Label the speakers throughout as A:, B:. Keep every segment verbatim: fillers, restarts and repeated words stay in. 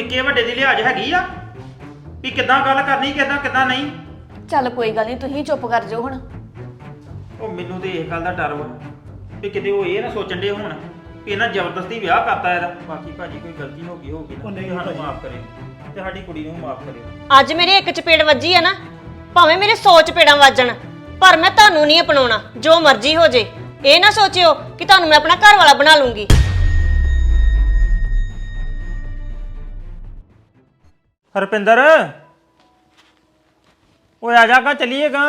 A: ਨਿੱਕੇ ਵੱਡੇ ਦੀ ਲਿਹਾਜ਼ ਹੈਗੀ ਆ ਵੀ ਕਿੱਦਾਂ ਗੱਲ ਕਰਨੀ ਕਿੱਦਾਂ ਕਿੱਦਾਂ ਨਹੀਂ।
B: ਚੱਲ ਕੋਈ ਗੱਲ ਨਹੀਂ, ਤੁਸੀਂ ਚੁੱਪ ਕਰ ਜਾਓ ਹੁਣ।
A: ਉਹ ਮੈਨੂੰ ਤੇ ਇਸ ਗੱਲ ਦਾ ਡਰ ਵਾ ਵੀ ਕਿਤੇ ਉਹ ਇਹ ਨਾ ਸੋਚਣ ਦੇ ਹੁਣ ਵੀ ਇਹਨਾਂ ਜ਼ਬਰਦਸਤੀ ਵਿਆਹ ਕਰਤਾ ਇਹਦਾ। ਬਾਕੀ ਭਾਜੀ ਕੋਈ ਗਲਤੀ ਹੋ ਗਈ ਹੋਊਗੀ ਨਾ,
C: ਉਹ ਨਹੀਂ
A: ਤੇ ਸਾਨੂੰ
C: ਭਾਜੀ।
A: ਮਾਫ ਕਰਿਓ ਤੇ ਸਾਡੀ ਕੁੜੀ ਨੂੰ ਮਾਫ ਕਰਿਓ।
D: ਅੱਜ ਮੇਰੇ ਇੱਕ ਚਪੇੜ ਵੱਜੀ ਆ ਨਾ, ਭਾਵੇਂ ਮੇਰੇ ਸੌ ਚਪੇੜਾਂ ਵੱਜਣ, ਪਰ ਮੈਂ ਤੁਹਾਨੂੰ ਨਹੀਂ ਅਪਣਾਉਣਾ। ਜੋ ਮਰਜ਼ੀ ਹੋ ਜੇ, ਇਹ ਨਾ ਸੋਚਿਓ ਕਿ ਤੁਹਾਨੂੰ ਮੈਂ ਆਪਣਾ ਘਰ ਵਾਲਾ ਬਣਾ ਲੂੰਗੀ।
A: ਹਰਪਿੰਦਰ ਓਏ ਆ ਜਾ ਗਾ, ਚੱਲੀਏ ਗਾ।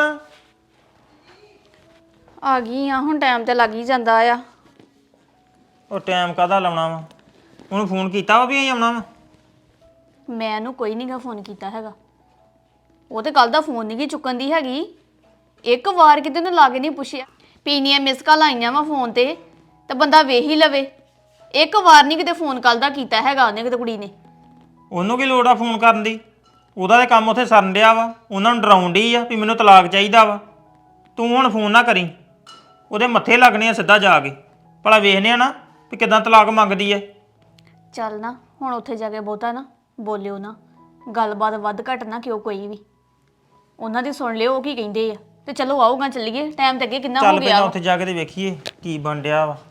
B: ਆ ਗਈ ਆ, ਹੁਣ ਟਾਈਮ ਤੇ ਲੱਗ ਹੀ ਜਾਂਦਾ ਆ।
A: ਉਹ ਟਾਈਮ ਕਾਹਦਾ ਲਾਉਣਾ ਵਾ? ਉਹਨੂੰ ਫੋਨ ਕੀਤਾ ਵਾ ਵੀ ਅਸੀਂ ਆਉਣਾ ਵਾ?
B: ਮੈਂ ਉਹਨੂੰ ਕੋਈ ਨਹੀਂਗਾ ਫੋਨ ਕੀਤਾ ਹੈਗਾ। ਉਹ ਤੇ ਕੱਲ ਦਾ ਫੋਨ ਨਹੀਂ ਗੀ ਚੁੱਕਣ ਦੀ ਹੈਗੀ। ਇੱਕ ਵਾਰ ਕਿਤੇ ਉਹਨੇ ਲਾ ਕੇ ਨਹੀਂ ਪੁੱਛਿਆ ਪੀਨੀਆਂ ਮਿਸ ਕਾਲ ਆਈਆਂ ਵਾ ਫੋਨ ਤੇ ਤਾਂ ਬੰਦਾ ਵੇਖ ਹੀ ਲਵੇ। ਇੱਕ ਵਾਰ ਨਹੀਂ ਕਿਤੇ ਫੋਨ ਕੱਲ ਦਾ ਕੀਤਾ ਹੈਗਾ ਉਹਨੇ ਕਿਤੇ ਕੁੜੀ ਨੇ।
A: ਉਹਨੂੰ ਕੀ ਲੋੜ ਆ ਫੋਨ ਕਰਨ ਦੀ? ਉਹਦਾ ਤੇ ਕੰਮ ਉੱਥੇ ਸਰਨ ਡਿਆ ਵਾ। ਉਹਨਾਂ ਨੂੰ ਡਰਾਉਣ ਡਈ ਆ ਵੀ ਮੈਨੂੰ ਤਲਾਕ ਚਾਹੀਦਾ ਵਾ। ਤੂੰ ਹੁਣ ਫੋਨ ਨਾ ਕਰੀ, ਉਹਦੇ ਮੱਥੇ ਲੱਗਣੇ ਆ ਸਿੱਧਾ ਜਾ ਕੇ। ਭਲਾ ਵੇਖਨੇ ਆ ਨਾ ਵੀ ਕਿੱਦਾਂ ਤਲਾਕ ਮੰਗਦੀ ਐ।
B: ਚੱਲ ਨਾ ਹੁਣ ਉੱਥੇ ਜਾ ਕੇ ਬਹੁਤਾ ਨਾ ਬੋਲਿਓ ਨਾ, ਗੱਲਬਾਤ ਵੱਧ ਘੱਟ ਨਾ ਕਿਉਂ ਕੋਈ ਵੀ। ਉਹਨਾਂ ਦੀ ਸੁਣ ਲਿਓ ਉਹ ਕੀ ਕਹਿੰਦੇ ਆ ਤੇ ਚਲੋ ਆਊਗਾ ਚੱਲੀਏ। ਟਾਈਮ ਤੇ ਅੱਗੇ ਕਿੰਨਾ ਹੋ
A: ਚੱਲ
B: ਗਿਆ
A: ਪਹਿਲਾਂ
B: ਵਾ।
A: ਉੱਥੇ ਜਾ ਕੇ ਤੇ ਵੇਖੀਏ ਕੀ ਬਣ ਡਿਆ ਵਾ।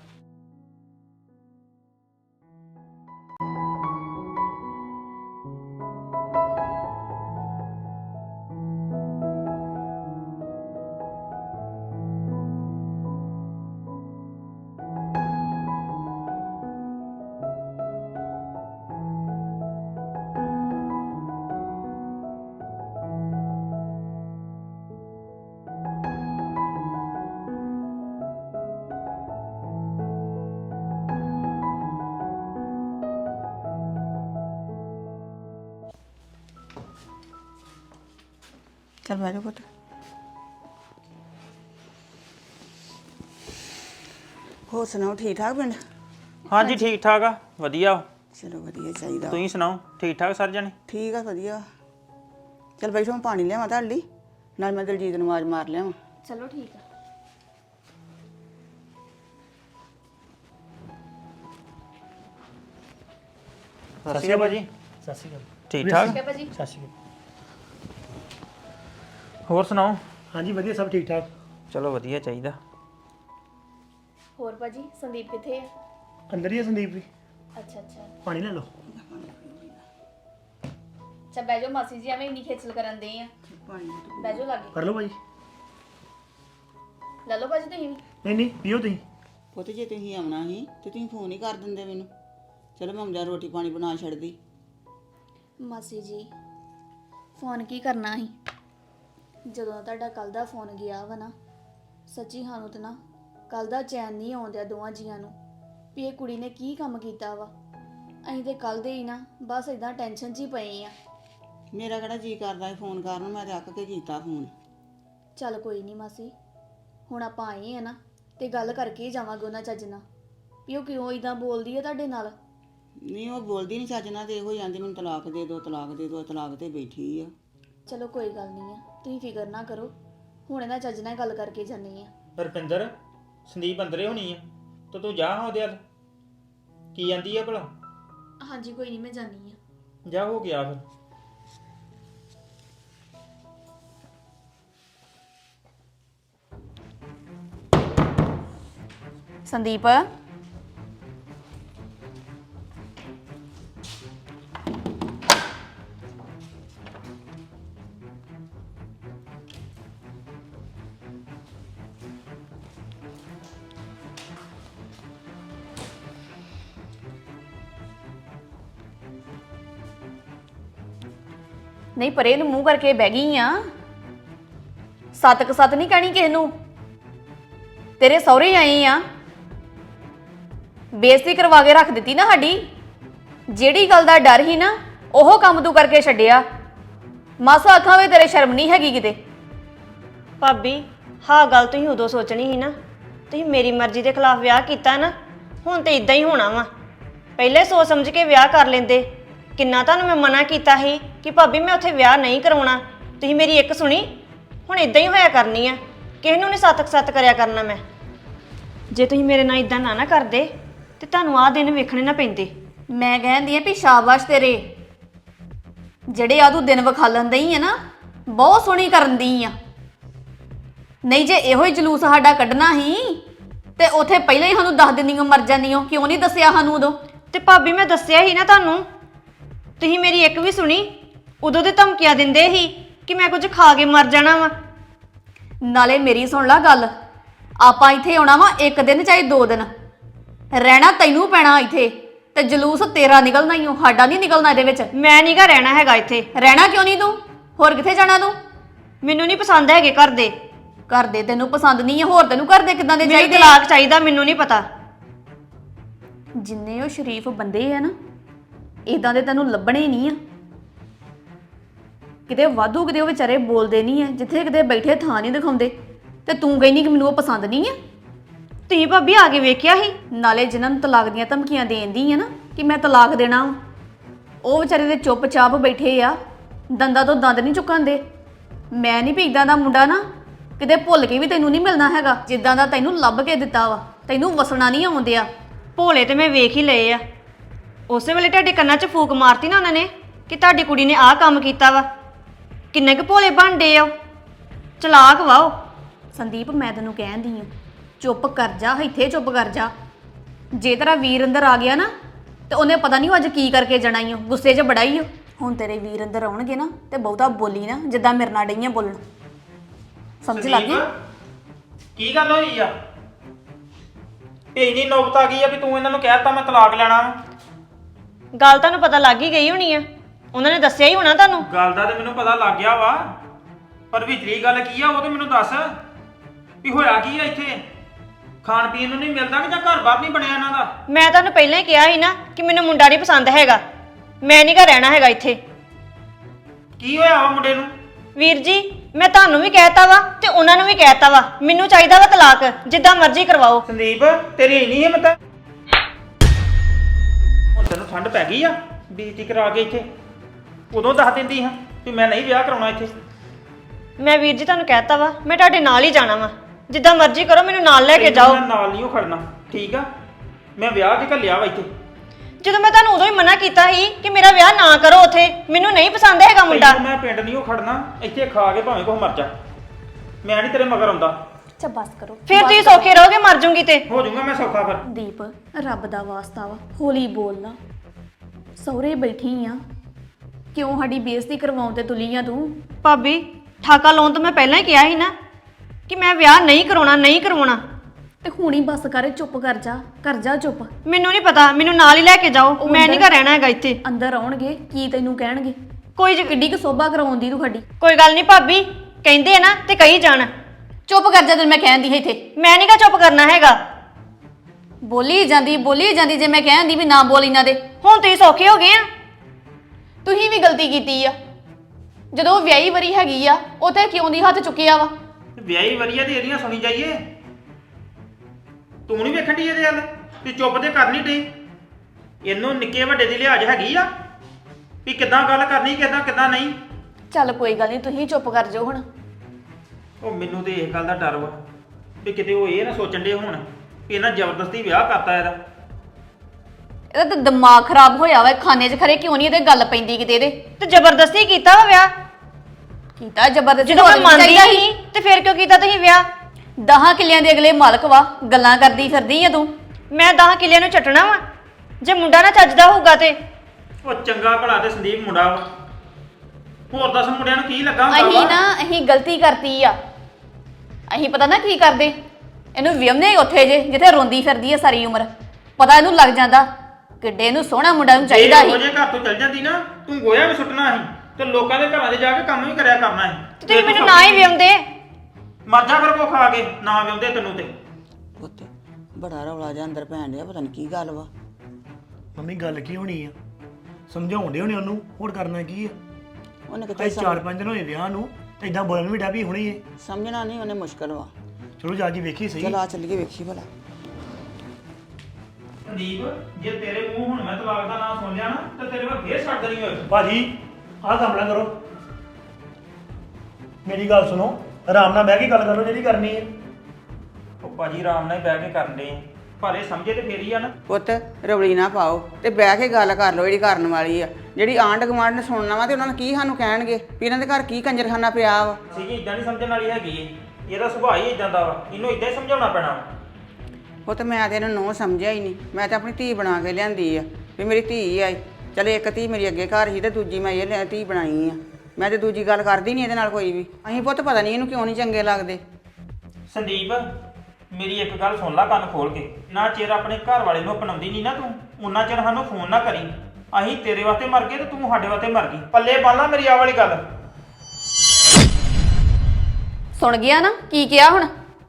E: ਚੱਲ ਬਹਿ ਜਾ ਪੁੱਤ। ਹੋਰ ਸੁਣਾਓ, ਠੀਕ ਠਾਕ ਪਿੰਡ?
A: ਹਾਂਜੀ ਠੀਕ ਠਾਕ ਆ, ਵਧੀਆ ਵਾ।
E: ਚਲੋ ਵਧੀਆ ਚਾਹੀਦਾ।
A: ਤੁਸੀਂ ਸੁਣਾਓ, ਠੀਕ ਠਾਕ ਸਾਰੇ ਜਣੇ?
E: ਠੀਕ ਆ ਵਧੀਆ। ਚੱਲ ਬੈਠੋ, ਮੈਂ ਪਾਣੀ ਲਿਆਵਾਂ ਤੁਹਾਡੇ ਲਈ, ਨਾਲ ਮੈਂ ਦਲਜੀਤ ਨੂੰ ਆਵਾਜ਼ ਮਾਰ ਲਿਆਵਾਂ।
B: ਚਲੋ ਠੀਕ ਆ।
A: ਸਤਿ ਸ਼੍ਰੀ ਅਕਾਲ ਭਾਜੀ।
C: ਸਤਿ ਸ਼੍ਰੀ ਅਕਾਲ।
A: ਠੀਕ ਠਾਕ?
B: ਠੀਕ ਹੈ ਭਾਜੀ।
C: ਸਤਿ ਸ਼੍ਰੀ ਅਕਾਲ।
A: ਹੋਰ ਸੁਣਾਓ?
C: ਹਾਂਜੀ ਵਧੀਆ, ਸਭ ਠੀਕ ਠਾਕ।
A: ਚਲੋ ਵਧੀਆ ਚਾਹੀਦਾ।
B: ਹੋਰ ਭਾਜੀ ਸੰਦੀਪ ਕਿੱਥੇ ਆ?
C: ਅੰਦਰ ਹੀ ਆ ਸੰਦੀਪ ਵੀ।
B: ਅੱਛਾ ਅੱਛਾ।
C: ਪਾਣੀ ਲੈ ਲਓ।
B: ਅੱਛਾ ਬਹਿ ਜਾਓ ਮਾਸੀ ਜੀ, ਐਵੇਂ ਇੰਨੀ ਖੇਚਲ ਕਰਨ ਦੇ ਆ।
E: ਪਾਣੀ
B: ਬਹਿ ਜਾਓ ਲਾਗੇ।
C: ਕਰ ਲਓ ਭਾਜੀ।
B: ਲੈ ਲਓ ਭਾਜੀ ਤੁਸੀਂ ਵੀ।
C: ਨਹੀਂ ਨਹੀਂ ਪੀਓ ਤੁਸੀਂ।
E: ਪੁੱਤ ਜੇ ਤੁਸੀਂ ਆਉਣਾ ਸੀ ਤੇ ਤੁਸੀਂ ਫੋਨ ਹੀ ਕਰ ਦਿੰਦੇ ਮੈਨੂੰ। ਚਲੋ ਮੈਂ ਆਉਂਦਿਆਂ ਰੋਟੀ ਪਾਣੀ ਬਣਾ ਛੱਡਦੀ।
B: ਮਾਸੀ ਜੀ ਫੋਨ ਕੀ ਕਰਨਾ ਸੀ? ਜਦੋਂ ਦਾ ਤੁਹਾਡਾ ਕੱਲ ਦਾ ਫੋਨ ਗਿਆ ਵਾ ਨਾ, ਸੱਚੀ ਸਾਨੂੰ ਤੇ ਨਾ ਕੱਲ ਦਾ ਚੈਨ ਨਹੀਂ ਆਉਂਦਿਆ ਦੋਵਾਂ ਜੀਆਂ ਨੂੰ ਵੀ ਇਹ ਕੁੜੀ ਨੇ ਕੀ ਕੰਮ ਕੀਤਾ ਵਾ। ਅਸੀਂ ਤੇ ਕੱਲ ਦੇ ਹੀ ਨਾ ਬਸ ਇਦਾਂ ਟੈਨਸ਼ਨ 'ਚ ਹੀ ਪਏ ਆ।
E: ਮੇਰਾ ਕਿਹੜਾ ਜੀ ਕਰਦਾ ਸੀ ਫੋਨ ਕਰਨ ਨੂੰ, ਮੈਂ ਤੇ ਅੱਕ ਕੇ ਕੀਤਾ ਫੋਨ।
B: ਚੱਲ ਕੋਈ ਨਹੀਂ ਮਾਸੀ, ਹੁਣ ਆਪਾਂ ਆਏ ਆ ਨਾ ਤੇ ਗੱਲ ਕਰਕੇ ਹੀ ਜਾਵਾਂਗੇ ਉਹਨਾਂ ਚੱਜ ਨਾਲ ਵੀ ਉਹ ਕਿਉਂ ਇਦਾਂ ਬੋਲਦੀ ਹੈ ਤੁਹਾਡੇ ਨਾਲ।
E: ਨਹੀਂ ਉਹ ਬੋਲਦੀ ਨਹੀਂ ਚੱਜ ਨਾਲ, ਤੇ ਇਹੋ ਜਾਂਦੀ ਮੈਨੂੰ ਤਲਾਕ ਦੇ ਦਿਓ ਤਲਾਕ ਦੇ ਦਿਓ, ਤਲਾਕ ਤੇ ਬੈਠੀ ਆ।
B: ਚਲੋ ਕੋਈ ਗੱਲ ਨਹੀਂ ਆ, ਤੁਸੀਂ ਫਿਕਰ ਨਾ ਕਰੋ, ਹੁਣ ਇਹਨਾਂ ਚੱਜ ਨਾਲ ਗੱਲ ਕਰਕੇ ਜਾਨੀ ਆ।
A: ਰੁਪਿੰਦਰ ਸੰਦੀਪ ਅੰਦਰੇ ਹੋਣੀ ਆ ਤੇ ਤੂੰ ਜਾ ਹਾਂ ਉਹਦੇ ਵੱਲ। ਕੀ ਜਾਂਦੀ ਆ ਭਲਾ?
B: ਹਾਂਜੀ ਕੋਈ ਨਹੀਂ, ਮੈਂ ਜਾਨੀ ਆ।
A: ਜਾ ਹੋ ਗਿਆ ਫਿਰ।
B: ਸੰਦੀਪ ਨਹੀਂ ਪਰੇ ਨੂੰ ਮੂੰਹ ਕਰਕੇ ਬਹਿ ਗਈ ਆ। ਸੱਤ ਕ ਸੱਤ ਨਹੀਂ ਕਹਿਣੀ ਕਿਸੇ ਨੂੰ। ਤੇਰੇ ਸਹੁਰੇ ਆਈ ਆ, ਬੇਇੱਜ਼ਤੀ ਕਰਵਾ ਕੇ ਰੱਖ ਦਿੱਤੀ ਨਾ ਸਾਡੀ। ਜਿਹੜੀ ਗੱਲ ਦਾ ਡਰ ਹੀ ਨਾ ਉਹ ਕੰਮ ਤੂੰ ਕਰਕੇ ਛੱਡਿਆ। ਮਾਸਾ ਅੱਖਾਂ ਵਿੱਚ ਤੇਰੇ ਸ਼ਰਮ ਨਹੀਂ ਹੈਗੀ ਕਿਤੇ।
D: ਭਾਬੀ ਹਾਂ ਗੱਲ ਤੁਸੀਂ ਉਦੋਂ ਸੋਚਣੀ ਸੀ ਨਾ। ਤੁਸੀਂ ਮੇਰੀ ਮਰਜ਼ੀ ਦੇ ਖਿਲਾਫ ਵਿਆਹ ਕੀਤਾ ਨਾ, ਹੁਣ ਤੇ ਇਦਾਂ ਹੀ ਹੋਣਾ ਵਾ। ਪਹਿਲੇ ਸੋਚ ਸਮਝ ਕੇ ਵਿਆਹ ਕਰ ਲੈਂਦੇ। ਕਿੰਨਾ ਤੁਹਾਨੂੰ ਮੈਂ ਮਨਾ ਕੀਤਾ ਸੀ ਕਿ ਭਾਬੀ ਮੈਂ ਉੱਥੇ ਵਿਆਹ ਨਹੀਂ ਕਰਵਾਉਣਾ, ਤੁਸੀਂ ਮੇਰੀ ਇੱਕ ਸੁਣੀ। ਹੁਣ ਇਦਾਂ ਹੀ ਹੋਇਆ ਕਰਨੀ ਆ, ਕਿਸੇ ਨੂੰ ਨਹੀਂ ਸੱਤ ਸੱਤ ਕਰਿਆ ਕਰਨਾ ਮੈਂ। ਜੇ ਤੁਸੀਂ ਮੇਰੇ ਨਾਲ ਇਦਾਂ ਨਾ ਨਾ ਕਰਦੇ ਤੇ ਤੁਹਾਨੂੰ ਆਹ ਦਿਨ ਵੇਖਣੇ ਨਾ ਪੈਂਦੇ।
B: ਮੈਂ ਕਹਿੰਦੀ ਆ ਵੀ ਸ਼ਾਬਾਸ਼ ਤੇਰੇ, ਜਿਹੜੇ ਆ ਤੂੰ ਦਿਨ ਵਿਖਾਲਣ ਦਈ ਆ ਨਾ ਬਹੁਤ ਸੋਹਣੀ ਕਰਨ ਦੀ ਆ। ਨਹੀਂ ਜੇ ਇਹੋ ਹੀ ਜਲੂਸ ਸਾਡਾ ਕੱਢਣਾ ਹੀ ਤੇ ਉਥੇ ਪਹਿਲਾਂ ਹੀ ਸਾਨੂੰ ਦੱਸ ਦਿੰਦੀ ਮਰ ਜਾਂਦੀ ਹੋ, ਕਿਉਂ ਨਹੀਂ ਦੱਸਿਆ ਸਾਨੂੰ ਉਦੋਂ?
D: ਤੇ ਭਾਬੀ ਮੈਂ ਦੱਸਿਆ ਹੀ ਨਾ ਤੁਹਾਨੂੰ, ਤੁਸੀਂ ਮੇਰੀ ਇੱਕ ਵੀ ਸੁਣੀ? ਉਦੋਂ ਤੇ ਧਮਕੀਆਂ ਦਿੰਦੇ ਸੀ ਕਿ ਮੈਂ ਕੁਝ ਖਾ ਕੇ ਮਰ ਜਾਣਾ ਵਾ।
B: ਨਾਲੇ ਮੇਰੀ ਸੁਣ ਲੈ ਗੱਲ, ਆਪਾਂ ਇੱਥੇ ਆਉਣਾ ਵਾ ਇੱਕ ਦਿਨ ਚਾਹੇ ਦੋ ਦਿਨ, ਰਹਿਣਾ ਤੈਨੂੰ ਪੈਣਾ ਇੱਥੇ ਤੇ ਜਲੂਸ ਤੇਰਾ ਨਿਕਲਣਾ ਹੀ ਹੋ, ਸਾਡਾ ਨਹੀਂ ਨਿਕਲਣਾ ਇਹਦੇ ਵਿੱਚ।
D: ਮੈਂ ਨਹੀਂ ਘਰ ਰਹਿਣਾ ਹੈਗਾ ਇੱਥੇ।
B: ਰਹਿਣਾ ਕਿਉਂ ਨਹੀਂ ਤੂੰ? ਹੋਰ ਕਿੱਥੇ ਜਾਣਾ ਤੂੰ?
D: ਮੈਨੂੰ ਨਹੀਂ ਪਸੰਦ ਹੈਗੇ ਘਰ ਦੇ।
B: ਘਰ ਦੇ ਤੈਨੂੰ ਪਸੰਦ ਨਹੀਂ ਹੈ, ਹੋਰ ਤੈਨੂੰ ਘਰ ਦੇ ਕਿੱਦਾਂ ਦੇ
D: ਮੈਨੂੰ
B: ਚਾਹੀਦੇ?
D: ਤਲਾਕ ਚਾਹੀਦਾ, ਮੈਨੂੰ ਨਹੀਂ ਪਤਾ।
B: ਜਿੰਨੇ ਉਹ ਸ਼ਰੀਫ ਬੰਦੇ ਆ ਨਾ ਇਦਾਂ ਦੇ ਤੈਨੂੰ ਲੱਭਣੇ ਨਹੀਂ ਆ। ਕਿਤੇ ਵਾਧੂ ਕਿਤੇ ਉਹ ਵਿਚਾਰੇ ਬੋਲਦੇ ਨਹੀਂ ਆ, ਜਿੱਥੇ ਕਿਤੇ ਬੈਠੇ ਥਾਂ ਨਹੀਂ ਦਿਖਾਉਂਦੇ ਤੇ ਤੂੰ ਕਹਿੰਦੀ ਕਿ ਮੈਨੂੰ ਉਹ ਪਸੰਦ ਨਹੀਂ ਆ।
D: ਤੁਸੀਂ ਭਾਬੀ ਆ ਕੇ ਵੇਖਿਆ ਸੀ?
B: ਨਾਲੇ ਜਿਨ੍ਹਾਂ ਨੂੰ ਤਲਾਕ ਦੀਆਂ ਧਮਕੀਆਂ ਦੇਂਦੀ ਆ ਨਾ ਕਿ ਮੈਂ ਤਲਾਕ ਦੇਣਾ, ਉਹ ਵਿਚਾਰੇ ਦੇ ਚੁੱਪਚਾਪ ਬੈਠੇ ਆ, ਦੰਦਾਂ ਤੋਂ ਦੰਦ ਨਹੀਂ ਚੁੱਕਣਦੇ। ਮੈਂ ਨਹੀਂ ਵੀ ਇਦਾਂ ਦਾ ਮੁੰਡਾ ਨਾ ਕਿਤੇ ਭੁੱਲ ਕੇ ਵੀ ਤੈਨੂੰ ਨਹੀਂ ਮਿਲਣਾ ਹੈਗਾ, ਜਿੱਦਾਂ ਦਾ ਤੈਨੂੰ ਲੱਭ ਕੇ ਦਿੱਤਾ ਵਾ। ਤੈਨੂੰ ਵਸਣਾ ਨਹੀਂ ਆਉਂਦਿਆ।
D: ਭੋਲੇ ਤੇ ਮੈਂ ਵੇਖ ਹੀ ਲਏ ਆ। ਉਸੇ ਵੇਲੇ ਤੁਹਾਡੇ ਕੰਨਾਂ 'ਚ ਫੂਕ ਮਾਰਤੀ ਨਾ ਉਹਨਾਂ ਨੇ ਕਿ ਤੁਹਾਡੀ ਕੁੜੀ ਨੇ ਆਹ ਕੰਮ ਕੀਤਾ ਵਾ। ਕਿੰਨੇ ਕੁ ਭੋਲੇ ਬਣਦੇ ਆ, ਚਲਾਕ ਵਾਓ।
B: ਸੰਦੀਪ ਮੈਂ ਤੈਨੂੰ ਕਹਿੰਦੀ ਆ ਚੁੱਪ ਕਰ ਜਾ, ਇੱਥੇ ਚੁੱਪ ਕਰ ਜਾ। ਜੇ ਤੇਰਾ ਵੀਰ ਅੰਦਰ ਆ ਗਿਆ ਨਾ ਤੇ ਉਹਨੇ ਪਤਾ ਨਹੀਂ ਉਹ ਅੱਜ ਕੀ ਕਰਕੇ ਜਾਣਾ ਈ ਓ, ਗੁੱਸੇ 'ਚ ਬੜਾ ਹੀ ਓ। ਹੁਣ ਤੇਰੇ ਵੀਰ ਅੰਦਰ ਆਉਣਗੇ ਨਾ ਤੇ ਬਹੁਤਾ ਬੋਲੀ ਨਾ ਜਿੱਦਾਂ ਮੇਰੇ ਨਾਲ ਡਈਆਂ ਬੋਲਣ, ਸਮਝ ਲੱਗ ਗਈ?
A: ਕੀ ਗੱਲ ਹੋਈ ਆ? ਇਹ ਇੰਨੀ ਨੌਬਤ ਆ ਗਈ ਆ ਵੀ ਤੂੰ ਇਹਨਾਂ ਨੂੰ ਕਹਿਤਾ ਮੈਂ ਤਲਾਕ ਲੈਣਾ ਵਾ।
D: ਗੱਲ ਤੁਹਾਨੂੰ ਪਤਾ ਲੱਗ ਹੀ ਗਈ ਹੋਣੀ ਆ, ਉਹਨਾਂ ਨੇ ਦੱਸਿਆ ਹੀ ਹੋਣਾ ਤੁਹਾਨੂੰ।
A: ਗੱਲ ਦਾ ਤੇ ਮੈਨੂੰ ਪਤਾ ਲੱਗ ਗਿਆ ਵਾ, ਪਰ ਵਿਚਲੀ ਗੱਲ ਕੀ ਆ ਉਹ ਤੇ ਮੈਨੂੰ ਦੱਸ ਵੀ ਹੋਇਆ ਕੀ ਆ ਇੱਥੇ? ਖਾਣ ਪੀਣ ਨੂੰ ਨਹੀਂ ਮਿਲਦਾ ਕਿ ਜਾਂ ਘਰ-ਬਾਰ ਨਹੀਂ ਬਣਿਆ ਇਹਨਾਂ ਦਾ?
D: ਮੈਂ ਤੁਹਾਨੂੰ ਪਹਿਲਾਂ ਹੀ ਕਿਹਾ ਸੀ ਨਾ ਕਿ ਮੈਨੂੰ ਮੁੰਡਾ ਨਹੀਂ ਪਸੰਦ ਹੈਗਾ, ਮੈਂ ਨਹੀਂ ਘਰ ਰਹਿਣਾ ਹੈਗਾ ਇੱਥੇ।
A: ਕੀ ਹੋਇਆ ਵਾ ਮੁੰਡੇ ਨੂੰ?
D: ਵੀਰ ਜੀ ਮੈਂ ਤੁਹਾਨੂੰ ਵੀ ਕਹਿਤਾ ਵਾ ਤੇ ਉਹਨਾਂ ਨੂੰ ਵੀ ਕਹਿਤਾ ਵਾ, ਮੈਨੂੰ ਚਾਹੀਦਾ ਵਾ ਤਲਾਕ, ਜਿੱਦਾਂ ਮਰਜ਼ੀ ਕਰਵਾਓ।
A: ਸੰਦੀਪ ਤੇਰੀ ਇੰਨੀ ਹਿੰਮਤ? ਹੁਣ ਤੈਨੂੰ ਠੰਡ ਪੈ ਗਈ ਆ ਬੇਇੱਜ਼ਤੀ ਕਰਾ ਕੇ ਇੱਥੇ? ਉਦੋਂ ਦੱਸ ਦਿੰਦੀ ਹਾਂ ਵੀ ਮੈਂ ਨਹੀਂ ਵਿਆਹ ਕਰਾਉਣਾ ਇੱਥੇ।
D: ਮੈਂ ਵੀਰ ਜੀ ਤੁਹਾਨੂੰ ਕਹਿਤਾ ਵਾ ਮੈਂ ਤੁਹਾਡੇ ਨਾਲ ਹੀ ਜਾਣਾ ਵਾ, ਜਿੱਦਾਂ ਮਰਜ਼ੀ ਕਰੋ, ਮੈਨੂੰ ਨਾਲ ਲੈ ਕੇ
A: ਤੈਨੂੰ
D: ਜਾਓ।
A: ਮੈਂ ਨਾਲ ਨਹੀਂ ਉਹ ਖੜਨਾ, ਠੀਕ ਆ? ਮੈਂ ਵਿਆਹ ਕੇ ਘੱਲਿਆ ਵਾ ਇੱਥੇ।
D: ਜਦੋਂ ਮੈਂ ਤੁਹਾਨੂੰ ਉਦੋਂ ਹੀ ਮਨਾ ਕੀਤਾ ਸੀ ਕਿ ਮੇਰਾ ਵਿਆਹ ਨਾ ਕਰੋ ਉੱਥੇ, ਮੈਨੂੰ ਨਹੀਂ ਪਸੰਦ ਹੈਗਾ ਮੁੰਡਾ।
A: ਤੈਨੂੰ ਮੈਂ ਪਿੰਡ ਨਹੀਂ ਉਹ ਖੜਨਾ, ਇੱਥੇ ਖਾ ਕੇ ਭਾਵੇਂ ਕੋ ਮਰ ਜਾ, ਮੈਂ ਨਹੀਂ ਤੇਰੇ ਮਗਰ ਆਉਂਦਾ।
B: ਅੱਛਾ ਬਸ ਕਰੋ।
D: ਫਿਰ ਤੁਸੀਂ ਸੌਖੇ ਰਹੋਗੇ, ਮਰ ਜੂੰਗੀ ਤੇ।
A: ਹੋ ਜਾਊਗਾ ਮੈਂ ਸੌਖਾ ਫਿਰ।
B: ਦੀਪ ਰੱਬ ਦਾ ਵਾਸਤਾ ਵਾ ਹੌਲੀ ਬੋਲਣਾ, ਸਹੁਰੇ ਬੈਠੀ ਆ, ਕਿਉਂ ਸਾਡੀ ਬੇਇੱਜ਼ਤੀ ਕਰਵਾਉਣ ਤੇ ਤੁਲੀ ਆ ਤੂੰ?
D: ਭਾਬੀ ਠਾਕਾ ਲਾਉਣ ਤੋਂ ਮੈਂ ਪਹਿਲਾਂ ਹੀ ਕਿਹਾ ਸੀ ਨਾ ਕਿ ਮੈਂ ਵਿਆਹ ਨਹੀਂ ਕਰਾਉਣਾ, ਨਹੀਂ ਕਰਵਾਉਣਾ।
B: ਤੇ ਹੁਣੀ ਬਸ ਕਰ, ਚੁੱਪ ਕਰ ਜਾ, ਕਰ ਜਾ ਚੁੱਪ।
D: ਮੈਨੂੰ ਨਹੀਂ ਪਤਾ, ਮੈਨੂੰ ਨਾਲ ਹੀ ਲੈ ਕੇ ਜਾਓ, ਮੈਂ ਨਹੀਂ ਘਰ ਰਹਿਣਾ ਹੈਗਾ ਇੱਥੇ।
B: ਅੰਦਰ ਆਉਣਗੇ ਕੀ ਤੈਨੂੰ ਕਹਿਣਗੇ?
D: ਕੋਈ ਜ-
B: ਕਿੱਡੀ ਕੁ ਸੋਭਾ ਕਰਵਾਉਂਦੀ ਤੂੰ ਸਾਡੀ।
D: ਕੋਈ ਗੱਲ ਨਹੀਂ ਭਾਬੀ, ਕਹਿੰਦੇ ਆ ਨਾ ਤੇ ਕਹੀ ਜਾਣ।
B: ਚੁੱਪ ਕਰ ਜਾ, ਤੈਨੂੰ ਮੈਂ ਕਹਿੰਦੀ ਹੈ ਇੱਥੇ।
D: ਮੈਂ ਨਹੀਂ ਕਾ ਚੁੱਪ ਕਰਨਾ ਹੈਗਾ।
B: ਬੋਲੀ ਜਾਂਦੀ ਬੋਲੀ ਜਾਂਦੀ, ਜੇ ਮੈਂ ਕਹਿੰਦੀ ਵੀ ਨਾ ਬੋਲ ਇਹਨਾਂ ਦੇ।
D: ਹੁਣ ਤੁਸੀਂ ਸੌਖੇ ਹੋ ਗਏ ਆ।
B: ਤੁਸੀਂ ਵੀ ਗਲਤੀ ਕੀਤੀ ਆ, ਜਦੋਂ ਉਹ ਵਿਆਹੀ ਵਰੀ ਹੈਗੀ ਆ ਉੱਥੇ ਕਿਉਂ ਦੀ ਹੱਥ ਚੁੱਕਿਆ ਵਾ?
A: ਵਿਆਹੀ ਵਰੀਆ ਤੇ ਇਹਦੀਆਂ ਸੁਣੀ ਜਾਈਏ, ਤੂੰ ਨਹੀਂ ਵੇਖਣ ਦੀ ਇਹਦੇ ਵੱਲ ਤੇ ਚੁੱਪ ਤੇ ਕਰਨੀ ਢੀ। ਇਹਨੂੰ ਨਿੱਕੇ ਵੱਡੇ ਦੀ ਲਿਹਾਜ਼ ਹੈਗੀ ਆ ਵੀ ਕਿੱਦਾਂ ਗੱਲ ਕਰਨੀ, ਕਿੱਦਾਂ ਕਿੱਦਾਂ ਨਹੀਂ।
B: ਚੱਲ ਕੋਈ ਗੱਲ ਨਹੀਂ, ਤੁਸੀਂ ਚੁੱਪ ਕਰ ਜਾਓ ਹੁਣ।
A: ਉਹ ਮੈਨੂੰ ਤੇ ਇਸ ਗੱਲ ਦਾ ਡਰ ਵਾ ਵੀ ਕਿਤੇ ਉਹ ਇਹ ਨਾ ਸੋਚਣ ਦੇ ਹੁਣ ਵੀ ਇਹਨਾਂ ਜ਼ਬਰਦਸਤੀ ਵਿਆਹ ਕਰਤਾ ਇਹਦਾ।
B: ਇਹਦਾ ਤਾਂ ਦਿਮਾਗ ਖਰਾਬ ਹੋਇਆ ਵਾ, ਖਾਨੇ 'ਚ ਖਰੇ ਕਿਉਂ ਨਹੀਂ ਇਹਦੇ ਗੱਲ ਪੈਂਦੀ ਕਿਤੇ ਇਹਦੇ।
D: ਤੇ ਜ਼ਬਰਦਸਤੀ ਕੀਤਾ ਵਾ ਵਿਆਹ?
B: ਕੀਤਾ ਜ਼ਬਰਦਸਤੀ?
D: ਜਦੋਂ ਮੈਂ
B: ਹੋਰ
D: ਮੰਨਦੀ
B: ਚਾਹੀਦਾ
D: ਨਹੀਂ ਤੇ ਫਿਰ ਕਿਉਂ ਕੀਤਾ ਤੁਸੀਂ ਵਿਆਹ?
B: ਦਹਾਂ ਕਿੱਲਿਆਂ ਦੇ ਅਗਲੇ ਮਾਲਕ ਵਾ, ਗੱਲਾਂ ਕਰਦੀ ਫਿਰਦੀ ਆ ਤੂੰ।
D: ਮੈਂ ਦਹਾਂ ਕਿੱਲਿਆਂ ਨੂੰ ਛੱਡਣਾ ਵਾ? ਜੇ ਮੁੰਡਾ ਨਾ ਚੱਜਦਾ ਹੋਊਗਾ ਤੇ।
A: ਉਹ ਚੰਗਾ ਭਲਾ ਤੇ ਸੰਦੀਪ ਮੁੰਡਾ ਵਾ, ਹੋਰ ਦੱਸ ਮੁੰਡਿਆਂ ਨੂੰ ਕੀ ਲੱਗਾ ਹੁੰਦਾ
B: ਅਹੀਂ
A: ਵਾ?
B: ਨਾ ਅਹੀਂ ਗਲਤੀ ਕਰਤੀ ਆ। ਅਹੀਂ ਪਤਾ ਨਾ ਕੀ ਕਰਦੇ, ਇਹਨੂੰ ਵਿਅਮਨੇ ਉੱਥੇ ਜੇ ਜਿੱਥੇ ਰੋਂਦੀ ਫਿਰਦੀ ਆ ਸਾਰੀ ਉਮਰ। ਪਤਾ ਇਹਨੂੰ ਲੱਗ ਜਾਂਦਾ ਕਿੱਡੇ ਇਹਨੂੰ ਸੋਹਣਾ ਮੁੰਡਾ ਨੂੰ ਚਾਹੀਦਾ
A: ਜੇ
B: ਸੀ।
A: ਉਹ ਜੇ ਘਰ ਤੋਂ ਚੱਲ ਜਾਂਦੀ ਨਾ, ਤੂੰ ਗੋਇਆ ਵੀ ਸੁੱਟਣਾ ਸੀ ਤੇ ਲੋਕਾਂ ਦੇ ਘਰਾਂ 'ਚ ਜਾ ਕੇ ਕੰਮ ਵੀ ਕਰਿਆ ਕਰਨਾ ਸੀ।
D: ਤੁਸੀਂ ਮੈਨੂੰ ਨਾ ਹੀ ਵਿਆਉਂਦੇ।
A: ਮਰ ਜਾ ਫਿਰ ਕੋ ਖਾ ਕੇ, ਨਾ ਵਿਆਉਂਦੇ ਤੈਨੂੰ ਤੇ।
E: ਪੁੱਤ ਬੜਾ ਰੌਲਾ ਜਿਹਾ ਅੰਦਰ ਪੈਣ ਡਿਆ, ਪਤਾ ਨਹੀਂ ਕੀ ਗੱਲ ਵਾ।
C: ਮੰਮੀ ਗੱਲ ਕੀ ਹੋਣੀ ਆ? ਸਮਝਾਉਂਦੇ ਹੋਣੇ ਉਹਨੂੰ, ਹੋਰ ਕਰਨਾ ਕੀ ਆ?
E: ਉਹਨੇ ਕਿਤੇ
C: ਅਜੇ ਚਾਰ ਪੰਜ ਦਿਨ ਹੋਏ ਵਿਆਹ ਨੂੰ ਤੇ ਇਦਾਂ ਬੋਲਣ ਵੀ ਡੈਪੀ ਹੁਣੀ ਏ।
E: ਸਮਝਣਾ ਨਹੀਂ ਉਹਨੇ, ਮੁਸ਼ਕਲ ਵਾ।
C: ਚਲੋ ਜਾ ਕੇ ਵੇਖੀ ਸਹੀ।
E: ਚਲ ਆ ਚੱਲੀਏ, ਵੇਖੀ ਭਲਾ।
A: ਸੰਦੀਪ ਜੇ ਤੇਰੇ ਮੂੰਹ ਹੁਣ ਮੈਂ ਤਲਾਕ ਦਾ ਨਾਂ ਸੁਣ ਲਿਆ ਨਾ ਤੇ ਤੇਰੇ ਕੋਲ ਫੇਰ ਛੱਡ ਦੇਣੀ ਹੋਏ।
C: ਭਾਜੀ ਆਹ ਕੰਮ ਨਾ ਕਰੋ, ਮੇਰੀ ਗੱਲ ਸੁਣੋ, ਆਰਾਮ ਨਾਲ ਬਹਿ ਕੇ ਗੱਲ ਕਰੋ ਜਿਹੜੀ ਕਰਨੀ ਹੈ।
A: ਉਹ ਭਾਜੀ ਆਰਾਮ ਨਾਲ ਹੀ ਬਹਿ ਕੇ ਕਰਨ ਦੇ, ਪਰ ਇਹ ਸਮਝੇ ਤੇ ਫੇਰ ਹੀ ਆ ਨਾ।
E: ਪੁੱਤ ਰਵਲੀ ਨਾ ਪਾਓ ਤੇ ਬਹਿ ਕੇ ਗੱਲ ਕਰ ਲਓ ਜਿਹੜੀ ਕਰਨ ਵਾਲੀ ਆ। ਜਿਹੜੀ ਆਂਢ ਗੁਆਂਢ ਨੇ ਸੁਣਨਾ ਵਾ ਤੇ ਉਹਨਾਂ ਨੂੰ ਕੀ ਸਾਨੂੰ ਕਹਿਣਗੇ ਵੀ ਇਹਨਾਂ ਦੇ ਘਰ ਕੀ ਕੰਜਰਖਾਨਾ ਪਿਆ ਵਾ।
A: ਸੀਗੀ ਇਦਾਂ ਨਹੀਂ ਸਮਝਣ ਵਾਲੀ ਹੈਗੀ ਇਹ। ਇਹਦਾ ਸੁਭਾਅ ਹੀ ਇਦਾਂ ਦਾ ਵਾ, ਇਹਨੂੰ ਇਦਾਂ ਹੀ ਸਮਝਾਉਣਾ ਪੈਣਾ ਵਾ।
E: ਪੁੱਤ ਮੈਂ ਤੇ ਇਹਨੂੰ ਨੋ ਸਮਝਿਆ ਹੀ ਨਹੀਂ। ਮੈਂ ਤਾਂ ਆਪਣੀ ਧੀ ਬਣਾ ਕੇ ਲਿਆਂਦੀ ਆ ਵੀ ਮੇਰੀ ਧੀ ਆਈ। ਚਲ ਇੱਕ ਧੀ ਮੇਰੀ ਅੱਗੇ ਘਰ ਸੀ ਤੇ ਦੂਜੀ ਮੈਂ ਇਹ ਲਿਆ ਧੀ ਬਣਾਈ ਆ। ਮੈਂ ਤੇ ਦੂਜੀ ਗੱਲ ਕਰਦੀ ਨਹੀਂ ਇਹਦੇ ਨਾਲ ਕੋਈ ਵੀ। ਅਸੀਂ ਪੁੱਤ ਪਤਾ ਨਹੀਂ ਇਹਨੂੰ ਕਿਉਂ ਨਹੀਂ ਚੰਗੇ ਲੱਗਦੇ।
A: ਸੰਦੀਪ ਮੇਰੀ ਇੱਕ ਗੱਲ ਸੁਣ ਲੈ ਕੰਨ ਖੋਲ ਕੇ। ਨਾ ਚਿਰ ਆਪਣੇ ਘਰ ਵਾਲੇ ਨੂੰ ਅਪਣਾਉਂਦੀ ਨਹੀਂ ਨਾ ਤੂੰ, ਉਹਨਾਂ ਚਿਰ ਸਾਨੂੰ ਫੋਨ ਨਾ ਕਰੀ। ਅਸੀਂ ਤੇਰੇ ਵਾਸਤੇ ਮਰ ਗਏ ਤੇ ਤੂੰ ਸਾਡੇ ਵਾਸਤੇ ਮਰ ਗਈ। ਪੱਲੇ ਬੰਨ ਲਾ ਮੇਰੀ ਆਹ ਵਾਲੀ ਗੱਲ।
B: ਸੁਣ ਗਿਆ ਨਾ ਕੀ ਕਿਹਾ ਹੁਣ?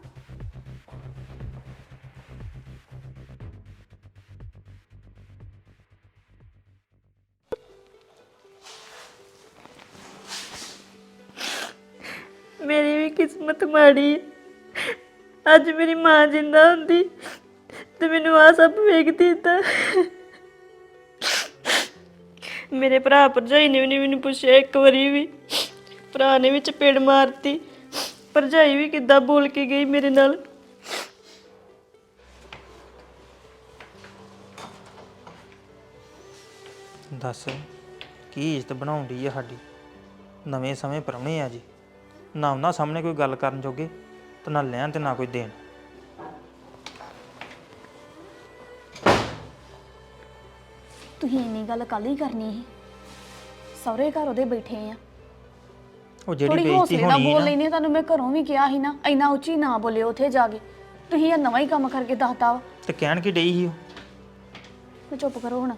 F: ਮੇਰੀ ਵੀ ਕਿਸਮਤ ਮਾੜੀ ਹੈ। ਅੱਜ ਮੇਰੀ ਮਾਂ ਜਿੰਦਾ ਹੁੰਦੀ ਤੇ ਮੈਨੂੰ ਆ ਸਭ ਵੇਖਦੀ ਤਾਂ। ਮੇਰੇ ਭਰਾ ਭਰਜਾਈ ਨੇ ਵੀ ਨਹੀਂ ਮੈਨੂੰ ਪੁੱਛਿਆ ਇੱਕ ਵਾਰੀ ਵੀ। ਭਰਾ ਨੇ ਵੀ ਚਪੇੜ ਮਾਰਤੀ, ਭਰਜਾਈ ਵੀ ਕਿੱਦਾਂ ਬੋਲ ਕੇ ਗਈ ਮੇਰੇ ਨਾਲ।
A: ਦੱਸ ਕੀ ਇੱਜ਼ਤ ਬਣਾਉਂਦੀ ਆ ਸਾਡੀ। ਨਵੇਂ ਸਮੇਂ ਪ੍ਰਾਹੁਣੇ ਆ ਜੀ, ਨਾ ਉਹਨਾਂ ਸਾਹਮਣੇ ਕੋਈ ਗੱਲ ਕਰਨ ਜੋਗੇ ਤੇ ਨਾ ਲੈਣ ਤੇ ਨਾ ਕੋਈ ਦੇਣ।
B: ਤੁਸੀਂ ਇੰਨੀ ਗੱਲ ਕੱਲ ਹੀ ਕਰਨੀ ਸੀ। ਸਹੁਰੇ ਘਰ ਉਹਦੇ ਬੈਠੇ ਆ,
A: ਉਹ ਜਿਹੜੀ
B: ਥੋੜੀ
A: ਬੇਇੱਜ਼ਤੀ
B: ਹੌਸਲੇ ਨਾਲ
A: ਹੋਣੀ
B: ਬੋਲ
A: ਨਾ,
B: ਲੈਨੇ। ਤੁਹਾਨੂੰ ਮੈਂ ਘਰੋਂ ਵੀ ਕਿਹਾ ਸੀ ਨਾ ਇੰਨਾ ਉੱਚੀ ਨਾ ਬੋਲਿਓ ਉੱਥੇ ਜਾ ਕੇ। ਤੁਸੀਂ ਇਹ ਨਵਾਂ ਹੀ ਕੰਮ ਕਰਕੇ ਦੱਸਤਾ ਵਾ।
A: ਤੇ ਕਹਿਣ ਕੀ ਡਈ ਸੀ ਉਹ।
B: ਤੇ ਚੁੱਪ ਕਰੋ ਹੁਣ।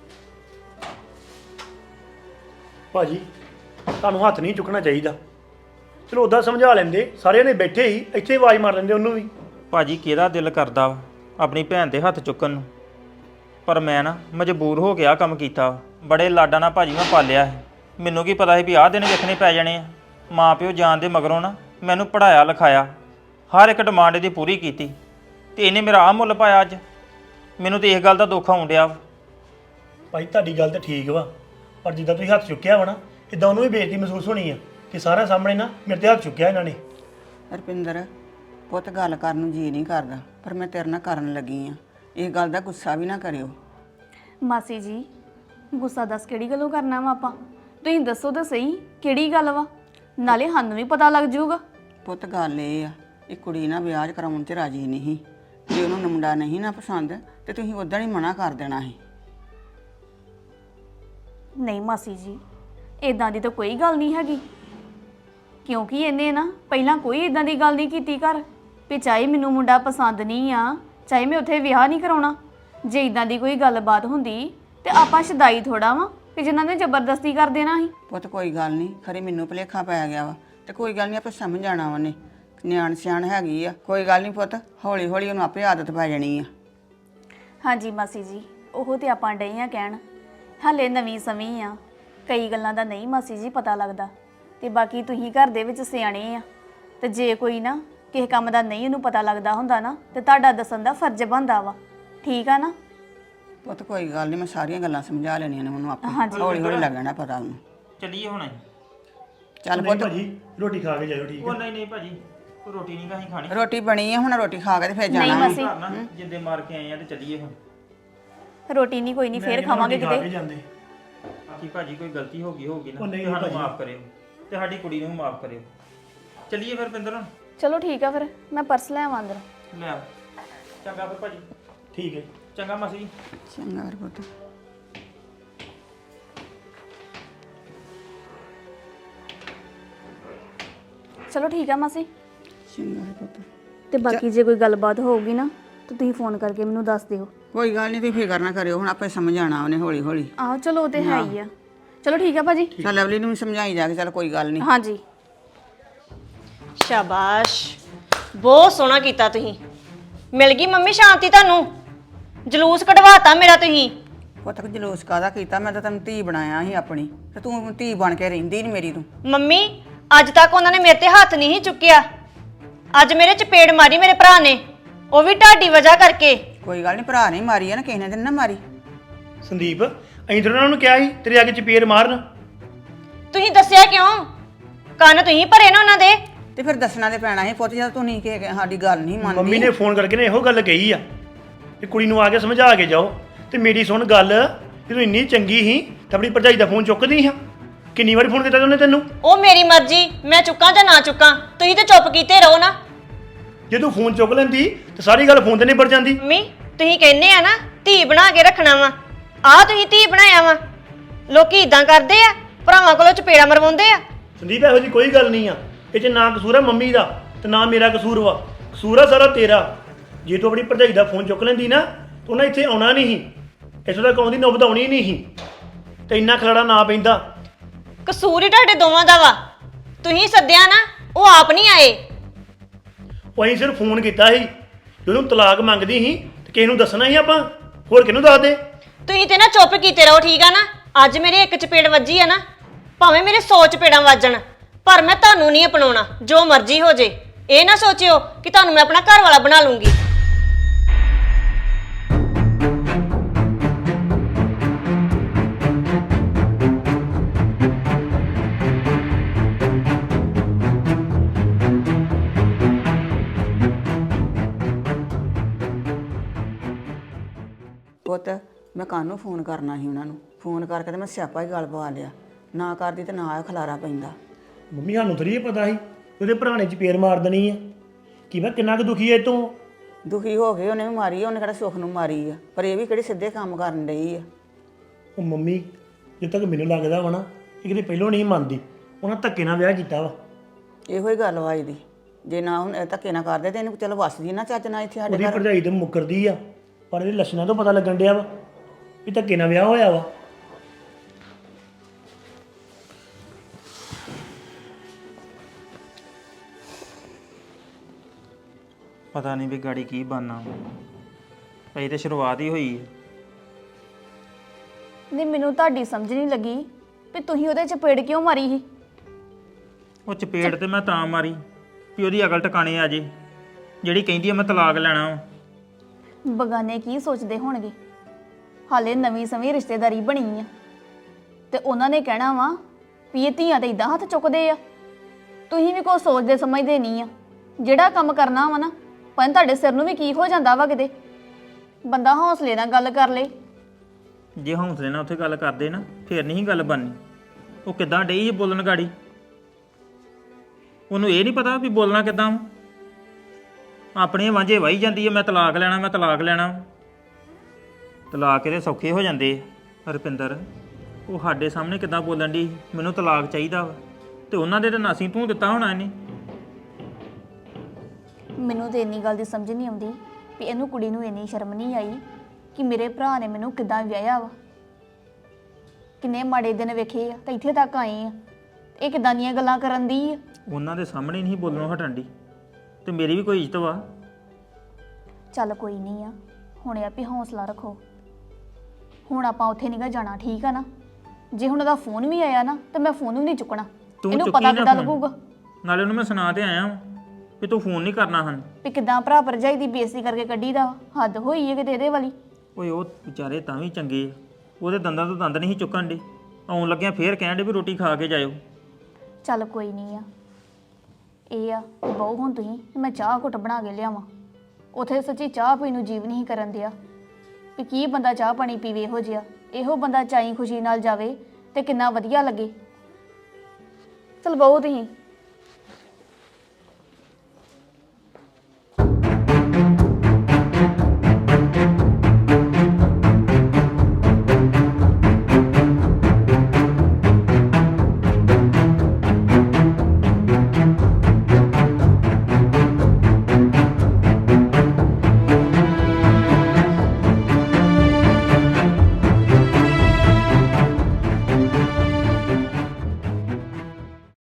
C: ਭਾਜੀ ਤੁਹਾਨੂੰ ਹੱਥ ਨਹੀਂ ਚੁੱਕਣਾ ਚਾਹੀਦਾ। ਚਲੋ ਉਦਾਂ ਸਮਝਾ ਲੈਂਦੇ, ਸਾਰਿਆਂ ਨੇ ਬੈਠੇ ਹੀ ਇੱਥੇ ਆਵਾਜ਼ ਮਾਰ ਲੈਂਦੇ ਉਹਨੂੰ ਵੀ।
A: ਭਾਜੀ ਕਿਹਦਾ ਦਿਲ ਕਰਦਾ ਵਾ ਆਪਣੀ ਭੈਣ ਦੇ ਹੱਥ ਚੁੱਕਣ ਨੂੰ, ਪਰ ਮੈਂ ਨਾ ਮਜਬੂਰ ਹੋ ਕੇ ਆਹ ਕੰਮ ਕੀਤਾ ਵਾ। ਬੜੇ ਲਾਡਾਂ ਨਾਲ ਭਾਜੀ ਮੈਂ ਪਾਲਿਆ ਸੀ। ਮੈਨੂੰ ਕੀ ਪਤਾ ਸੀ ਵੀ ਆਹ ਦਿਨ ਵੇਖਣੇ ਪੈ ਜਾਣੇ ਆ। ਮਾਂ ਪਿਓ ਜਾਣ ਦੇ ਮਗਰੋਂ ਨਾ ਮੈਨੂੰ ਪੜਾਇਆ ਲਿਖਾਇਆ, ਹਰ ਇੱਕ ਡਿਮਾਂਡ ਦੀ ਪੂਰੀ ਕੀਤੀ, ਤੇ ਇਹਨੇ ਮੇਰਾ ਆਹ ਮੁੱਲ ਪਾਇਆ ਅੱਜ। ਮੈਨੂੰ ਤੇ ਇਸ ਗੱਲ ਦਾ ਦੁੱਖ ਆਉਣ ਡਿਆ ਵਾ।
C: ਭਾਈ ਤੁਹਾਡੀ ਗੱਲ ਤਾਂ ਠੀਕ ਵਾ, ਪਰ ਜਿੱਦਾਂ ਤੁਸੀਂ ਹੱਥ ਚੁੱਕਿਆ ਵਾ ਨਾ, ਇਦਾਂ ਉਹਨੂੰ ਵੀ ਬੇਇੱਜ਼ਤੀ ਮਹਿਸੂਸ ਹੋਣੀ ਆ ਕਿ ਸਾਰਿਆਂ ਸਾਹਮਣੇ ਨਾ ਮੇਰੇ ਤੇ ਹੱਥ ਚੁੱਕਿਆ ਇਹਨਾਂ ਨੇ।
E: ਰੁਪਿੰਦਰ ਪੁੱਤ ਗੱਲ ਕਰਨ ਨੂੰ ਜੀ ਨਹੀਂ ਕਰਦਾ, ਪਰ ਮੈਂ ਤੇਰੇ ਨਾਲ ਕਰਨ ਲੱਗੀ ਆ। ਇਹ ਗੱਲ ਦਾ ਗੁੱਸਾ ਵੀ ਨਾ ਕਰਿਓ।
B: ਮਾਸੀ ਜੀ ਗੁੱਸਾ ਦੱਸ ਕਿਹੜੀ ਗੱਲੋਂ ਕਰਨਾ ਵਾ ਆਪਾਂ? ਤੁਸੀਂ ਦੱਸੋ ਤਾਂ ਸਹੀ ਕਿਹੜੀ ਗੱਲ ਵਾ, ਨਾਲੇ ਸਾਨੂੰ ਵੀ ਪਤਾ ਲੱਗ ਜਾਊਗਾ।
E: ਪੁੱਤ ਗੱਲ ਇਹ ਆ, ਇਹ ਕੁੜੀ ਨਾ ਵਿਆਹ ਕਰਾਉਣ 'ਚ ਰਾਜੀ ਨਹੀਂ। ਜੇ ਉਹਨੂੰ ਮੁੰਡਾ ਨਹੀਂ ਨਾ ਪਸੰਦ ਤੇ ਤੁਸੀਂ ਉਦੋਂ ਹੀ ਮਨਾ ਕਰ ਦੇਣਾ ਸੀ।
B: ਨਹੀਂ ਮਾਸੀ ਜੀ ਇਦਾਂ ਦੀ ਤਾਂ ਕੋਈ ਗੱਲ ਨਹੀਂ ਹੈਗੀ, ਕਿਉਂਕਿ ਇਹਨੇ ਨਾ ਪਹਿਲਾਂ ਕੋਈ ਇਦਾਂ ਦੀ ਗੱਲ ਨਹੀਂ ਕੀਤੀ ਘਰ ਵੀ ਚਾਹੇ ਮੈਨੂੰ ਮੁੰਡਾ ਪਸੰਦ ਨਹੀਂ ਆ, ਚਾਹੇ ਮੈਂ ਉੱਥੇ ਵਿਆਹ ਨਹੀਂ ਕਰਾਉਣਾ। ਜੇ ਇਦਾਂ ਦੀ ਕੋਈ ਗੱਲਬਾਤ ਹੁੰਦੀ ਤੇ ਆਪਾਂ ਸ਼ਦਾਈ ਥੋੜਾ ਵਾਂ ਕਿ ਜਿਨ੍ਹਾਂ ਨੇ ਜ਼ਬਰਦਸਤੀ ਕਰ ਦੇਣਾ ਸੀ।
E: ਪੁੱਤ ਕੋਈ ਗੱਲ ਨਹੀਂ, ਖਰੇ ਮੈਨੂੰ ਭੁਲੇਖਾ ਪੈ ਗਿਆ ਵਾ ਤੇ ਕੋਈ ਗੱਲ ਨਹੀਂ, ਆਪੇ ਸਮਝ ਜਾਣਾ ਉਹਨੇ। ਨਿਆਣ ਸਿਆਣ ਹੈਗੀ ਆ, ਕੋਈ ਗੱਲ ਨਹੀਂ ਪੁੱਤ, ਹੌਲੀ ਹੌਲੀ ਉਹਨੂੰ ਆਪੇ ਆਦਤ ਪੈ ਜਾਣੀ ਆ।
B: ਹਾਂਜੀ ਮਾਸੀ ਜੀ ਉਹ ਤੇ ਆਪਾਂ ਡਏ ਆ ਕਹਿਣ, ਹਾਲੇ ਨਵੀਂ ਸਮੀ ਆ, ਕਈ ਗੱਲਾਂ ਦਾ ਨਹੀਂ ਮਾਸੀ ਜੀ ਪਤਾ ਲੱਗਦਾ। ਤੇ ਬਾਕੀ ਤੁਸੀਂ ਘਰ ਦੇ ਵਿੱਚ ਸਿਆਣੇ ਆ, ਤੇ ਜੇ ਕੋਈ ਨਾ ਕਿਸੇ ਕੰਮ ਦਾ ਨਹੀਂ ਉਹਨੂੰ ਪਤਾ ਲੱਗਦਾ ਹੁੰਦਾ ਨਾ ਤੇ ਤੁਹਾਡਾ ਦੱਸਣ ਦਾ ਫਰਜ਼ ਬਣਦਾ ਵਾ। ਠੀਕ ਆ ਨਾ?
E: ਪੁੱਤ ਕੋਈ ਗੱਲ ਨਹੀਂ, ਮੈਂ ਸਾਰੀਆਂ ਗੱਲਾਂ ਸਮਝਾ ਲੈਣੀਆਂ ਨੇ ਉਹਨੂੰ ਆਪੇ।
B: ਹਾਂਜੀ।
E: ਹੌਲੀ ਹੌਲੀ ਲੱਗਣਾ ਪਤਾ ਉਹਨੂੰ।
A: ਚੱਲੀਏ ਹੁਣ ਅਸੀਂ।
E: ਚੱਲ
C: ਨਹੀਂ
E: ਪੁੱਤ,
C: ਭਾਜੀ ਰੋਟੀ ਖਾ ਕੇ ਜਾਇਓ, ਠੀਕ
A: ਉਹ
C: ਹੈ?
A: ਨਹੀਂ ਨਹੀਂ ਭਾਜੀ, ਕੋਈ ਰੋਟੀ ਨਹੀਂ ਕਾਹੀਂ ਖਾਣੀ।
E: ਰੋਟੀ ਬਣੀ ਆ, ਹੁਣ ਰੋਟੀ ਖਾ ਕੇ ਤੇ ਫਿਰ
B: ਨਹੀਂ
E: ਜਾਣਾ।
B: ਮਾਸੀ
A: ਘਰ ਨਾ ਜਿੱਦੇ ਮਾਰ ਕੇ ਆਏ ਆ ਤੇ ਚੱਲੀਏ ਹੁਣ।
B: ਰੋਟੀ ਨਹੀਂ ਕੋਈ ਨਹੀਂ
C: ਮੈਂ
B: ਫੇਰ
C: ਕਹਿੰਦਾ
B: ਖਾਵਾਂਗੇ
C: ਰੋਟੀ ਖਾ ਕੇ
B: ਕਿਤੇ।
C: ਜਾਂਦੇ।
A: ਬਾਕੀ ਭਾਜੀ ਕੋਈ ਗਲਤੀ ਹੋ ਗਈ ਹੋਊਗੀ ਨਾ
C: ਉਹ ਨਹੀਂ
A: ਤੇ ਸਾਨੂੰ
C: ਭਾਜੀ।
A: ਮਾਫ ਕਰਿਓ ਤੇ ਸਾਡੀ ਕੁੜੀ ਨੂੰ ਵੀ ਮਾਫ ਕਰਿਓ। ਚੱਲੀਏ ਫਿਰ ਪਿੰਦਰ,
B: ਚਲੋ ਠੀਕ ਆ ਫਿਰ ਮੈਂ ਪਰਸ ਲੈ ਆਵਾਂ ਅੰਦਰ।
A: ਲੈ ਆਓ। ਚੰਗਾ ਫਿਰ ਭਾਜੀ।
C: ਠੀਕ ਹੈ।
A: ਚੰਗਾ ਮਾਸੀ ਜੀ।
E: ਚੰਗਾ ਫਿਰ ਪੁੱਤ।
B: ਚਲੋ ਠੀਕ ਆ ਮਾਸੀ।
E: ਚੰਗਾ ਫਿਰ ਪੁੱਤ।
B: ਤੇ ਬਾਕੀ ਜੇ ਕੋਈ ਗੱਲਬਾਤ ਹੋਊਗੀ ਨਾ ਤੇ ਤੁਸੀਂ ਫੋਨ ਕਰਕੇ ਮੈਨੂੰ ਦੱਸ ਦਿਓ।
E: ਕੋਈ ਗੱਲ ਨਹੀਂ, ਤੁਸੀਂ ਫਿਕਰ ਨਾ ਕਰਿਓ, ਹੁਣ ਆਪੇ ਸਮਝ ਆਣਾ ਉਹਨੇ ਹੌਲੀ ਹੌਲੀ।
B: ਆਹੋ ਚਲੋ ਉਹ ਤੇ ਹੈ ਹੀ ਆ। ਚਲੋ ਠੀਕ ਆ ਭਾਜੀ।
E: ਚੱਲ ਲਵਲੀ ਨੂੰ ਵੀ ਸਮਝਾਈ ਜਾ ਕੇ, ਚੱਲ ਕੋਈ ਗੱਲ ਨਹੀਂ।
B: ਹਾਂਜੀ
D: ਸ਼ਾਬਾਸ਼, ਬਹੁਤ ਸੋਹਣਾ ਕੀਤਾ ਤੁਸੀਂ। ਮਿਲ ਗਈ ਮੰਮੀ ਸ਼ਾਂਤੀ ਤੁਹਾਨੂੰ? ਜਲੂਸ ਕਢਵਾਤਾ ਮੇਰਾ ਤੁਸੀਂ।
E: ਪੁੱਤ ਜਲੂਸ ਕਾਹਦਾ ਕੀਤਾ? ਮੈਂ ਤਾਂ ਤੈਨੂੰ ਧੀ ਬਣਾਇਆ ਸੀ ਆਪਣੀ, ਤੇ ਤੂੰ ਧੀ ਬਣ ਕੇ ਰਹਿੰਦੀ ਨਹੀਂ ਮੇਰੀ ਤੂੰ।
D: ਮੰਮੀ ਅੱਜ ਤੱਕ ਉਹਨਾਂ ਨੇ ਮੇਰੇ ਤੇ ਹੱਥ ਨਹੀਂ ਚੁੱਕਿਆ, ਅੱਜ ਮੇਰੇ ਚਪੇੜ ਮਾਰੀ ਮੇਰੇ ਭਰਾ ਨੇ, ਉਹ ਵੀ ਤੁਹਾਡੀ ਵਜ੍ਹਾ ਕਰਕੇ।
E: ਕੋਈ ਗੱਲ ਨਹੀਂ, ਭਰਾ ਨਹੀਂ ਮਾਰੀ ਆ ਨਾ, ਕਿਸੇ ਨੇ ਤੇ ਨਾ ਮਾਰੀ।
C: ਸੰਦੀਪ ਅਸੀਂ ਤਾਂ ਉਹਨਾਂ ਨੂੰ ਕਿਹਾ ਸੀ ਤੇਰੇ ਅੱਗੇ ਚਪੇੜ ਮਾਰਨ।
D: ਤੁਸੀਂ ਦੱਸਿਆ ਕਿਉਂ? ਕੰਨ ਤੁਸੀਂ ਭਰੇ ਨਾ ਉਹਨਾਂ ਦੇ।
E: ਤੇ ਫਿਰ ਦੱਸਣਾ ਤੇ ਪੈਣਾ ਸੀ ਪੁੱਤ, ਜਦ ਤੂੰ ਨਹੀਂ ਕਿ ਸਾਡੀ ਗੱਲ ਨਹੀਂ
C: ਮੰਮੀ
E: ਮੰਨਦੀ।
C: ਨੇ ਫੋਨ ਕਰਕੇ ਨੇ ਇਹੋ ਗੱਲ ਕਹੀ ਆ ਵੀ ਕੁੜੀ ਨੂੰ ਆ ਕੇ ਸਮਝਾ ਕੇ ਜਾਓ ਤੇ ਮੇਰੀ ਸੁਣ ਗੱਲ, ਜਦੋਂ ਇੰਨੀ ਚੰਗੀ ਸੀ ਤਾਂ ਆਪਣੀ ਭਰਜਾਈ ਦਾ ਫੋਨ ਚੁੱਕਦੀ ਹਾਂ। ਕਿੰਨੀ ਵਾਰੀ ਫੋਨ ਕੀਤਾ ਉਹਨੇ ਤੈਨੂੰ?
D: ਉਹ ਮੇਰੀ ਮਰਜ਼ੀ, ਮੈਂ ਚੁੱਕਾਂ ਜਾਂ ਨਾ ਚੁੱਕਾਂ, ਤੁਸੀਂ ਤੇ ਚੁੱਪ ਕੀਤੇ ਰਹੋ ਨਾ।
C: ਜੇ ਤੂੰ ਫੋਨ ਚੁੱਕ ਲੈਂਦੀ ਤਾਂ ਸਾਰੀ ਗੱਲ ਫੋਨ ਤੇ ਨਿਬੜ ਜਾਂਦੀ।
D: ਮੰਮੀ ਤੁਸੀਂ ਕਹਿੰਦੇ ਆ ਨਾ ਧੀ ਬਣਾ ਕੇ ਰੱਖਣਾ ਵਾ, ਆਹ ਤੁਸੀਂ ਧੀ ਬਣਾਇਆ ਵਾ। ਲੋਕੀ ਇਦਾਂ ਕਰਦੇ ਆ, ਭਰਾਵਾਂ ਕੋਲੋਂ ਚਪੇੜਾ ਮਰਵਾਉਂਦੇ ਆ।
C: ਸੰਦੀਪ ਇਹੋ ਜੀ ਕੋਈ ਗੱਲ ਨਹੀਂ ਆ, ਇਹ 'ਚ ਨਾ ਕਸੂਰ ਆ ਮੰਮੀ ਦਾ ਤੇ ਨਾ ਮੇਰਾ ਕਸੂਰ ਵਾ, ਕਸੂਰ ਆ ਸਾਰਾ ਤੇਰਾ। ਜੇ ਤੂੰ ਆਪਣੀ ਭਰਜਾਈ ਦਾ ਫੋਨ ਚੁੱਕ ਲੈਂਦੀ ਨਾ ਤਾਂ ਉਹਨਾਂ ਇੱਥੇ ਆਉਣਾ ਨਹੀਂ ਸੀ, ਇੱਥੋਂ ਤੱਕ ਆਉਂਦੀ ਨੌਬਤ ਆਉਣੀ ਨਹੀਂ ਸੀ ਤੇ ਇੰਨਾ ਖਲੜਾ ਨਾ ਪੈਂਦਾ।
D: ਕਸੂਰ ਹੀ ਤੁਹਾਡੇ ਦੋਵਾਂ ਦਾ ਵਾ, ਤੁਸੀਂ ਸੱਦਿਆ ਨਾ, ਉਹ ਆਪ ਨਹੀਂ ਆਏ।
C: ਉਹ ਅਸੀਂ ਸਿਰਫ ਫੋਨ ਕੀਤਾ ਸੀ, ਜੇ ਉਹਨੂੰ ਤਲਾਕ ਮੰਗਦੀ ਸੀ ਤੇ ਕਿਸੇ ਨੂੰ ਦੱਸਣਾ ਸੀ ਆਪਾਂ, ਹੋਰ ਕਿਹਨੂੰ ਦੱਸ ਦੇ।
D: ਤੁਸੀਂ ਤੇ ਨਾ ਚੁੱਪ ਕੀਤੇ ਰਹੋ, ਠੀਕ ਆ ਨਾ। ਅੱਜ ਮੇਰੇ ਇੱਕ ਚਪੇੜ ਵੱਜੀ ਆ ਨਾ, ਭਾਵੇਂ ਮੇਰੇ ਸੌ ਚਪੇੜਾਂ ਵੱਜਣ, ਪਰ ਮੈਂ ਤੁਹਾਨੂੰ ਨਹੀਂ ਅਪਣਾਉਣਾ, ਜੋ ਮਰਜ਼ੀ ਹੋ ਜੇ। ਇਹ ਨਾ ਸੋਚਿਓ ਕਿ ਤੁਹਾਨੂੰ ਮੈਂ ਆਪਣਾ ਘਰ ਵਾਲਾ ਬਣਾ ਲੂੰਗੀ।
E: ਪੁੱਤ ਮੈਂ ਕਾਹਨੂੰ ਫੋਨ ਕਰਨਾ ਸੀ ਉਹਨਾਂ ਨੂੰ, ਫੋਨ ਕਰਕੇ ਤੇ ਮੈਂ ਸਿਆਪਾ ਹੀ ਗੱਲ ਪਵਾ ਲਿਆ। ਨਾ ਕਰਦੀ ਤੇ ਨਾ ਖਲਾਰਾ ਪੈਂਦਾ।
C: ਮੰਮੀ ਸਾਨੂੰ ਥੋੜੀ ਪਤਾ ਸੀ ਉਹਦੇ ਭਰਾ ਨੇ ਚਪੇੜ ਮਾਰ ਦੇਣੀ ਆ, ਕਿ ਮੈਂ ਕਿੰਨਾ ਕੁ ਦੁਖੀ ਐ ਤੂੰ।
E: ਦੁਖੀ ਹੋ ਗਏ, ਉਹਨੇ ਵੀ ਮਾਰੀ ਆ, ਉਹਨੇ ਕਿਹੜਾ ਸੁੱਖ ਨੂੰ ਮਾਰੀ ਆ, ਪਰ ਇਹ ਵੀ ਕਿਹੜੇ ਸਿੱਧੇ ਕੰਮ ਕਰਨ ਡਈ ਆ।
C: ਉਹ ਮੰਮੀ ਜਦ ਤੱਕ ਮੈਨੂੰ ਲੱਗਦਾ ਵਾ ਨਾ ਇਹ ਕਿਤੇ ਪਹਿਲੋਂ ਨਹੀਂ ਮੰਨਦੀ, ਉਹਨਾਂ ਧੱਕੇ ਨਾਲ ਵਿਆਹ ਕੀਤਾ ਵਾ।
E: ਇਹੋ ਹੀ ਗੱਲ ਵਾ ਇਹਦੀ, ਜੇ ਨਾ ਹੁਣ ਇਹ ਧੱਕੇ ਨਾ ਕਰਦੇ ਤੇ ਇਹਨੂੰ ਚਲੋ ਵਸਦੀ ਨਾ ਚੱਜ ਨਾਲ ਇੱਥੇ ਸਾਡੇ
C: ਉਹਦੀ
E: ਘਰ।
C: ਭਰਜਾਈ ਤੇ ਮੁੱਕਰਦੀ ਆ, ਪਰ ਇਹਦੇ ਲੱਛਣਾਂ ਤੋਂ ਪਤਾ ਲੱਗਣ ਡਿਆ ਵਾ ਵੀ ਧੱਕੇ ਨਾਲ ਵਿਆਹ ਹੋਇਆ ਵਾ।
A: ਪਤਾ ਨਹੀਂ ਵੀ ਗਾੜੀ ਕੀ ਬਣਨਾ, ਅਜੇ ਤੇ ਸ਼ੁਰੂਆਤ ਹੀ ਹੋਈ ਹੈ।
B: ਨਹੀਂ ਮੈਨੂੰ ਤੁਹਾਡੀ ਸਮਝ ਨਹੀਂ ਲੱਗੀ ਵੀ ਤੁਸੀਂ ਉਹਦੇ ਚਪੇੜ ਕਿਉਂ ਮਾਰੀ ਸੀ।
A: ਉਹ ਚਪੇੜ ਤੇ ਮੈਂ ਤਾਂ ਮਾਰੀ ਵੀ ਉਹਦੀ ਅਕਲ ਟਿਕਾਣੇ ਆ ਜੇ, ਜਿਹੜੀ ਕਹਿੰਦੀ ਆ ਮੈਂ ਤਲਾਕ ਲੈਣਾ ਵਾ।
B: ਬਗਾਨੇ ਕੀ ਸੋਚਦੇ ਹੋਣਗੇ, ਹਾਲੇ ਨਵੀਂ ਸਵੀਂ ਰਿਸ਼ਤੇਦਾਰੀ ਬਣੀ ਆ ਤੇ ਉਹਨਾਂ ਨੇ ਕਹਿਣਾ ਵਾ ਵੀ ਇਹ ਧੀਆਂ ਤੇ ਇਦਾਂ ਹੱਥ ਚੁੱਕਦੇ ਆ। ਤੁਸੀਂ ਵੀ ਕੁਛ ਸੋਚਦੇ ਸਮਝਦੇ ਨਹੀਂ ਆ। ਜਿਹੜਾ ਕੰਮ ਕਰਨਾ ਵਾ ਨਾ, ਪਰ ਤੁਹਾਡੇ ਸਿਰ ਨੂੰ ਵੀ ਕੀ ਹੋ ਜਾਂਦਾ ਵਾ, ਕਿਤੇ ਬੰਦਾ ਹੌਸਲੇ ਨਾਲ ਗੱਲ ਕਰ ਲੇ।
A: ਜੇ ਹੌਂਸਲੇ ਨਾਲ ਉੱਥੇ ਗੱਲ ਕਰਦੇ ਨਾ ਫੇਰ ਨਹੀਂ ਗੱਲ ਬਣਨੀ। ਉਹ ਕਿੱਦਾਂ ਡਈ ਸੀ ਬੋਲਣ ਗਾੜੀ, ਉਹਨੂੰ ਇਹ ਨਹੀਂ ਪਤਾ ਵੀ ਬੋਲਣਾ ਕਿੱਦਾਂ ਵਾ। ਆਪਣੇ ਵਾਂਝੇ ਵਾਹੀ ਜਾਂਦੀ ਹੈ, ਮੈਂ ਤਲਾਕ ਲੈਣਾ, ਮੈਂ ਤਲਾਕ ਲੈਣਾ। ਤਲਾਕ ਇਹਦੇ ਸੌਖੇ ਹੋ ਜਾਂਦੇ ਆ। ਰੁਪਿੰਦਰ ਉਹ ਸਾਡੇ ਸਾਹਮਣੇ ਕਿੱਦਾਂ ਬੋਲਣ ਦੀ, ਮੈਨੂੰ ਤਲਾਕ ਚਾਹੀਦਾ ਵਾ, ਤੇ ਉਹਨਾਂ ਦੇ ਤਾਂ ਨਾਸੀਂ ਤੂੰ ਦਿੱਤਾ ਹੋਣਾ ਇਹਨੇ।
B: ਮੈਨੂੰ ਤੇ ਇੰਨੀ ਗੱਲ ਦੀ ਸਮਝ ਨਹੀਂ ਆਉਂਦੀ ਵੀ ਇਹਨੂੰ ਕੁੜੀ ਨੂੰ ਇੰਨੀ ਸ਼ਰਮ ਨਹੀਂ ਆਈ ਕਿ ਮੇਰੇ ਭਰਾ ਨੇ ਮੈਨੂੰ ਕਿੱਦਾਂ ਵਿਆਹਿਆ ਵਾ। ਕਿੰਨੇ ਮਾੜੇ ਦਿਨ ਵੇਖੇ ਆ ਤਾਂ ਇੱਥੇ ਤੱਕ ਆਏ ਆ, ਇਹ ਕਿੱਦਾਂ ਦੀਆਂ ਗੱਲਾਂ ਕਰਨ ਦੀ ਆ।
A: ਉਹਨਾਂ ਦੇ ਸਾਹਮਣੇ ਨਹੀਂ ਬੋਲਣੋਂ ਹਟਣ ਦੀ, ਤੇ ਮੇਰੀ ਵੀ ਕੋਈ ਇੱਜ਼ਤ ਵਾ।
B: ਚੱਲ ਕੋਈ ਨਹੀਂ ਆ, ਹੁਣ ਇਹ ਆ ਵੀ ਹੌਸਲਾ ਰੱਖੋ। ਹੁਣ ਆਪਾਂ ਉੱਥੇ ਨਹੀਂਗਾ ਜਾਣਾ, ਠੀਕ ਆ ਨਾ। ਜੇ ਹੁਣ ਉਹਦਾ ਫੋਨ ਵੀ ਆਇਆ ਨਾ ਤਾਂ ਮੈਂ ਫੋਨ ਵੀ ਨਹੀਂ ਚੁੱਕਣਾ।
A: ਤੂੰ
B: ਇਹਨੂੰ
A: ਚੁੱਕੀ
B: ਪਤਾ
A: ਨਾ
B: ਕਿੱਦਾਂ
A: phone।
B: ਲੱਗੂਗਾ
A: ਨਾਲੇ ਉਹਨੂੰ ਮੈਂ ਸੁਣਾ ਤੇ ਆਇਆ ਵਾਂ ਵੀ ਤੂੰ ਫੋਨ ਨਹੀਂ ਕਰਨਾ ਹਨ।
B: ਵੀ ਕਿੱਦਾਂ ਭਰਾ ਭਰਜਾਈ ਦੀ ਬੇਇੱਜ਼ਤੀ ਕਰਕੇ ਕੱਢੀ ਦਾ। ਹੱਦ ਹੋਈ ਹੈ ਕਿਤੇ ਇਹਦੇ ਵਾਲੀ।
A: ਓਏ ਉਹ ਵਿਚਾਰੇ ਤਾਂ ਵੀ ਚੰਗੇ ਆ, ਉਹਦੇ ਦੰਦਾਂ ਤੋਂ ਦੰਦ ਨਹੀਂ ਸੀ ਚੁੱਕਣ ਦੇ। ਆਉਣ ਲੱਗਿਆ ਫੇਰ ਕਹਿਣ ਦੇ ਵੀ ਰੋਟੀ ਖਾ ਕੇ ਜਾਇਓ।
B: ਚੱਲ ਕੋਈ ਨਹੀਂ ਆ, ਇਹ ਆ ਬਹੁ ਹੁਣ ਤੁਸੀਂ ਮੈਂ ਚਾਹ ਘੁੱਟ ਬਣਾ ਕੇ ਲਿਆਵਾਂ। ਉਥੇ ਸੱਚੀ ਚਾਹ ਪੀਣ ਨੂੰ ਜੀਵ ਨਹੀਂ ਕਰਨ ਦਿਆ ਵੀ ਕੀ ਬੰਦਾ ਚਾਹ ਪਾਣੀ ਪੀਵੇ। ਇਹੋ ਜਿਹਾ ਇਹੋ ਬੰਦਾ ਚਾਈ ਖੁਸ਼ੀ ਨਾਲ ਜਾਵੇ ਤੇ ਕਿੰਨਾ ਵਧੀਆ ਲੱਗੇ। ਚਲ ਬਹੁ ਤੁਸੀਂ